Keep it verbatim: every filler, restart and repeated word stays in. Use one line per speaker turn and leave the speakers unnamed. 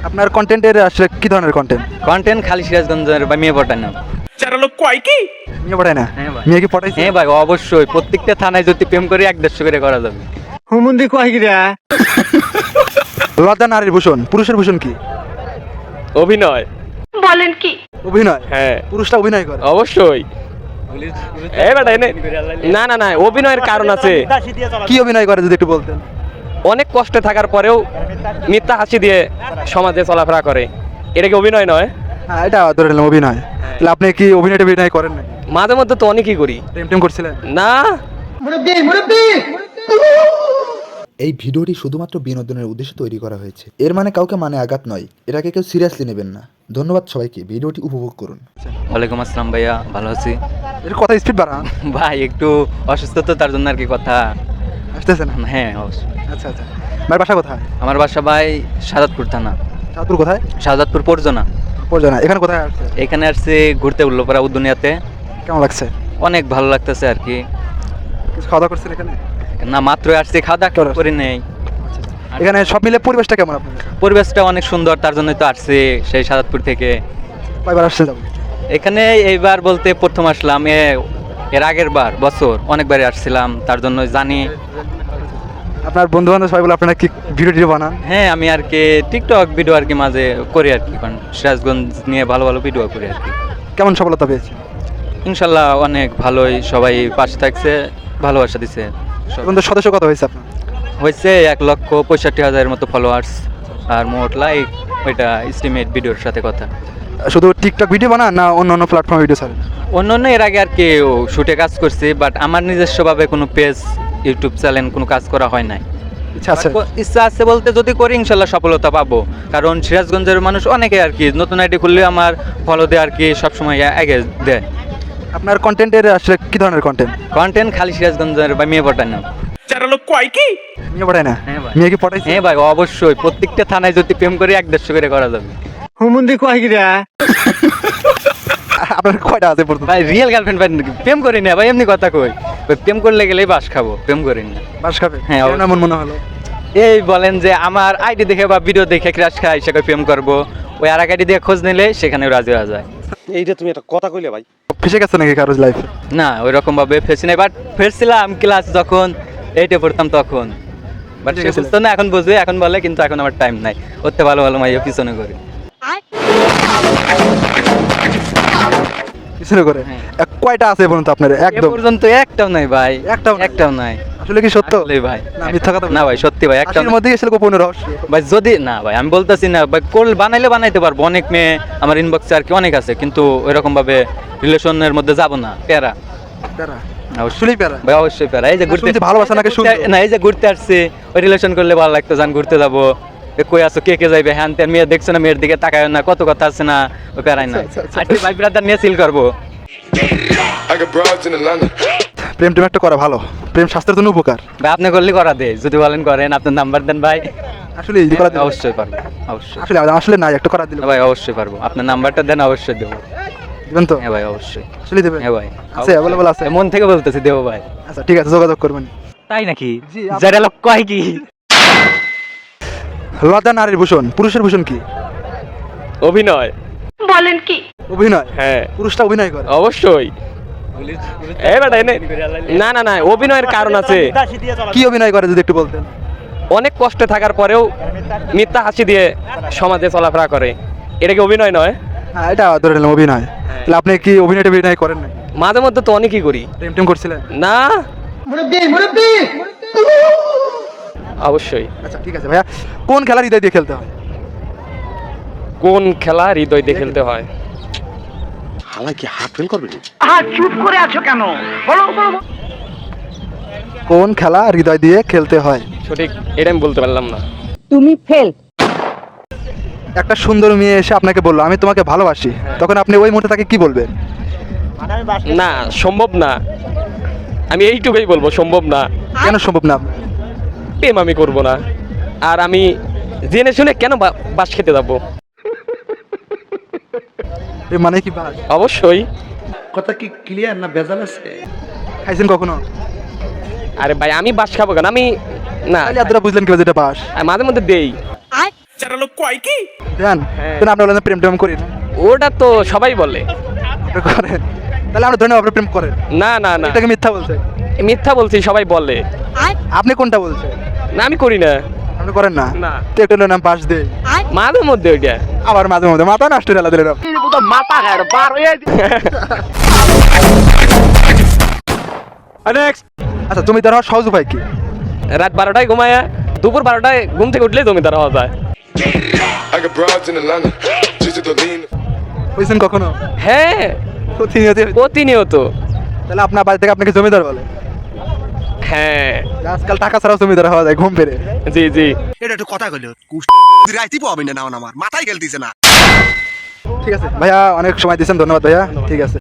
আপনার কন্টেন্টের আসলে কি ধরনের কন্টেন্ট?
কন্টেন্ট খালি সিরাজগঞ্জের বা মেয়ে পটানো।
চারা লোক কয় কি
মেয়ে পড়ায় না?
হ্যাঁ ভাই।
মেয়ে কি পটাইছে?
হ্যাঁ ভাই, অবশ্যই প্রত্যেকটা থানায় যদি প্রেম করে এক দেড়শো করে করা যাবে।
হুমুন্দি কয় কি রে?
লজ্জা নারীর ভূষণ, পুরুষের ভূষণ কি?
অভিনয়।
বলেন কি?
অভিনয়।
হ্যাঁ
পুরুষটা অভিনয় করে।
অবশ্যই। এই বেটা এনে না না না অভিনয়ের কারণ আছে।
কি অভিনয় করে যদি একটু বলতেন?
অনেক কষ্টে থাকার পরেও মিথ্যা হাসি দিয়ে সমাজে চলাফেরা করে, এটা কি অভিনয় নয়?
হ্যাঁ, এটা ধরে নিলাম অভিনয়। তাহলে আপনি কি অভিনয়টা অভিনয় করেন না?
মাঝে মধ্যে তো অনেকই করি।
প্রেম টেম করছিলেন?
না
এই ভিডিওটি শুধুমাত্র বিনোদনের উদ্দেশ্যে তৈরি করা হয়েছে, এর মানে কাউকে মানে আঘাত নয়, এটাকে কেউ সিরিয়াসলি নেবেন না। ধন্যবাদ সবাইকে, ভিডিওটি উপভোগ করুন।
ওয়ালাইকুম আসসালাম ভাইয়া, ভালো আছি
এর কথা স্পিড বাড়ান।
ভাই। একটু অসুস্থ তো, তার জন্য আর কি কথা।
আসতেছে না?
হ্যাঁ অবশ্যই।
আচ্ছা আচ্ছা। ভাই বাসা কোথায়?
আমার বাসা ভাই শাহাদাতপুর থানা।
চাঁদপুর কোথায়?
শাহাদাতপুর পরজনা।
পরজনা। এখানে কোথায় আসছে?
এখানে আসছে ঘুরতে, উল্লোপাড়া উদ্দুনিয়াতে।
কেমন লাগছে?
অনেক ভালো লাগতেছে আর কি।
কিছু খাওয়া দাওয়া করছেন এখানে?
না, মাত্র আসছি, খাওয়া দাওয়া করে নেই।
এখানে সব মিলে পরিবেশটা কেমন আপনাদের?
পরিবেশটা অনেক সুন্দর, তার জন্যই তো আসছি সেই শাহাদাতপুর থেকে।
কয়বার আসছে যাবো?
এখানে এইবার বলতে প্রথম আসলাম, এ- এর আগের বার বছর অনেকবারই আসছিলাম, তার জন্য জানি।
আপনার বন্ধু বান্ধব সবাই বলে আপনারা কি ভিডিও টিডিও বানান?
হ্যাঁ, আমি আর কি টিকটক ভিডিও আর কি মাঝে করি আর কি, কারণ সিরাজগঞ্জ নিয়ে ভালো ভালো ভিডিও করি আর কি।
কেমন সফলতা পেয়েছে?
ইনশাল্লাহ অনেক ভালোই, সবাই পাশে থাকছে, ভালোবাসা দিছে। সব-
এখন তো সদস্য কত হয়েছে আপনার?
হয়েছে এক লক্ষ পঁয়ষট্টি হাজারের মতো ফলোয়ার্স, আর মোট লাইক ওইটা এস্টিমেট ভিডিওর সাথে কথা।
শুধু টিকটক ভিডিও বানান না অন্য অন্য প্ল্যাটফর্মে ভিডিও ছাড়েন?
অন্য অন্য এর আগে আর কি শুটে কাজ করছি, বাট আমার নিজস্বভাবে কোনো পেজ, ইউটিউব চ্যানেল কোনো কাজ করা হয় নাই।
ইচ্ছা আছে?
But ইচ্ছা আছে বলতে, যদি করি ইনশাল্লাহ সফলতা পাবো, কারণ সিরাজগঞ্জের মানুষ অনেকে আর কি নতুন আইডি খুললে আমার ফলো দেয় আর কি, সবসময় আগে দেয়।
আপনার কন্টেন্টের আসলে কি ধরনের কন্টেন্ট?
কন্টেন্ট খালি সিরাজগঞ্জের বা মেয়ে পটানো।
চারা লোক কয় কি?
মেয়ে পড়ায় না?
হ্যাঁ ভাই।
মেয়ে কি পটাইছে?
হ্যাঁ ভাই, অবশ্যই প্রত্যেকটা থানায় যদি প্রেম করে এক দেড়শো করে করা যাবে।
হুমুন্দি কয় কি রে?
আপনার কয়টা আছে পর্যন্ত?
ভাই রিয়েল গার্লফ্রেন্ড ভাই, প্রেম করি না ভাই, এমনি কথা কই। ওই প্রেম করলে গেলেই বাস খাবো, প্রেম করি না।
বাস খাবে?
হ্যাঁ,
কেন এমন মনে হলো?
এই বলেন যে আমার আইডি দেখে বা ভিডিও দেখে ক্রাশ খাই, সেখানে প্রেম করবো, ওই আর এক আইডি দিয়ে খোঁজ নিলে সেখানে রাজি হয়ে যায়।
এইটা তুমি একটা কথা কইলে ভাই।
ফেসে গেছে নাকি কারোর লাইফে?
না, ওই রকম ভাবে ফেসি নাই, বাট ফেসছিলাম ক্লাস যখন এইটে পড়তাম তখন। বাট সে বুঝতো না, এখন বুঝবে, এখন বলে, কিন্তু এখন আমার টাইম নাই। ওতে ভালো ভালো মাইয়া পিছনে করি।
পিছনে করে?
হ্যাঁ।
এক কয়টা আছে পর্যন্ত আপনার?
এ
একদম
পর্যন্ত একটাও নাই ভাই,
একটাও নাই?
একটাও নাই।
আসলে কি সত্য?
আসলেই ভাই,
না, মিথ্যা কথা
না ভাই, সত্যি ভাই, একটাও
একটার
নাই।
মধ্যে গেছিল গোপন রহস্য।
ভাই যদি না ভাই, আমি বলতেছি না ভাই, কোল বানাইলে বানাইতে পারবো, অনেক মেয়ে আমার ইনবক্সে আর কি অনেক আছে, কিন্তু ওইরকম ভাবে রিলেশনের মধ্যে যাব না, প্যারা।
প্যারা?
অবশ্যই
আসলেই প্যারা?
ভাই, অবশ্যই প্যারা। এই যে ঘুরতে,
শুনছি ভালোবাসা নাকি
ঘুরতে-
সুন্দর।
না, এই যে ঘুরতে আসছে, ওই রিলেশন করলে ভালো লাগতো, যান ঘুরতে যাবো, এ কই আছো, কে কে যাইবে, হ্যান ত্যান, মেয়ে দেখছো না, মেয়ের দিকে তাকায় না, কত কথা আছে না, ওই প্যারাই না। আজকে ভাই ব্রাদার নিয়ে সিল করবো।
I got broads in Atlanta.
প্রেম টেম একটা করা ভালো, প্রেম স্বাস্থ্যের জন্য উপকার।
ভাই আপনি করলে করা দে, যদি বলেন করেন, আপনার নাম্বার দেন ভাই।
আসলে এই যে করা দিলে-
অবশ্যই পারবো, অবশ্যই।
আসলে আসলে নাই, একটা করা দিলে
হ্যাঁ ভাই, অবশ্যই পারবো, আপনার নাম্বারটা দেন, অবশ্যই দেবো।
দিবেন তো?
হ্যাঁ ভাই, অবশ্যই।
আসলে দেবেন?
হ্যাঁ ভাই,
আছে, অ্যাভেলেবল আছে?
মন থেকে বলতেছি, দেবো ভাই।
আচ্ছা ঠিক আছে, যোগাযোগ করবেন।
তাই নাকি?
জি, আপ-
যারা লোক কয় কি?
লজ্জা নারীর ভূষণ, পুরুষের ভূষণ কি?
অভিনয়।
বলেন কি?
অভিনয়।
হ্যাঁ
পুরুষটা অভিনয় করে?
অবশ্যই। এই বেটা এনে না না না অভিনয়ের কারণ আছে।
কি অভিনয় করে যদি একটু বলতেন?
অনেক কষ্টে থাকার পরেও মিথ্যা হাসি দিয়ে সমাজে চলাফেরা করে, এটা কি অভিনয় নয়?
হ্যাঁ, এটা ধরে নিলাম অভিনয়। তাহলে আপনি কি অভিনয়টা অভিনয় করেন না?
মাঝে মধ্যে তো অনেকই করি।
প্রেম টেম করছিলেন?
না অবশ্যই।
আচ্ছা ঠিক আছে ভাইয়া, কোন খেলা হৃদয় দিয়ে খেলতে হয়?
কোন খেলা হৃদয় দিয়ে খেলতে হয়?
হালাই কি হাত ফেল করবে নি?
আর চুপ করে আছো কেন? বলো বলো।
কোন খেলা হৃদয় দিয়ে খেলতে হয়?
সঠিক এটা আমি বলতে পারলাম না।
তুমি ফেল।
একটা সুন্দর মেয়ে এসে আপনাকে বললো আমি তোমাকে ভালোবাসি, তখন আপনি ওই মুহূর্তে তাকে কি বলবেন?
না, সম্ভব না। আমি এইটুকুই বলবো, সম্ভব না।
কেন সম্ভব না?
প্রেম আমি করব না, আর আমি জেনে শুনে কেন বা- বাস খেতে যাবো?
প্রেম মানে কি বাস?
অবশ্যই।
কথা কি ক্লিয়ার না ভেজাল আছে?
খাইছেন কখনো?
আরে ভাই, আমি বাস খাবো কেন? আমি না,
তাহলে আপনারা বুঝলেন কিভাবে যেটা বাস?
আমি মাঝে মধ্যে দেই।
জান তাহলে আমরা বলেন প্রেম টেম করি না
ওটা তো সবাই বলে।
আপনি করেন তাহলে আমরা ধরে নেব আপনি প্রেম করেন
না না না,
এটাকে মিথ্যা বলছে
মিথ্যা বলছি, সবাই বলে।
আপনি কোনটা বলছেন
না আমি করি না।
আপনি করেন না
না।
তো একটু নাম পাশ দেই
মাঝে মধ্যে ওইটা।
আবার মাঝে মধ্যে মাথা নষ্ট হয়ে দিলেন আচ্ছা জমিদার হওয়ার সহজ উপায় কি?
রাত বারোটায় ঘুমায়া দুপুর বারোটায় ঘুম থেকে উঠলে জমিদার হওয়া যায়।
I got broads in Atlanta. Just to lean.
বুঝছেন কখনো?
হ্যাঁ
প্রতিনিয়ত
প্রতিনিয়ত।
তাহলে আপনার বাড়ি থেকে আপনাকে জমিদার বলে?
হ্যাঁ
আজকাল টাকা ছাড়াও জমিদার হওয়া যায় ঘুম পেরে।
জি জি।
এটা একটু কথা কইলো রাইতি পাবেন না আমার মাথায় খেলতেছে না।
ঠিক আছে ভাইয়া, অনেক সময় দিয়েছেন, ধন্যবাদ ভাইয়া। ঠিক আছে।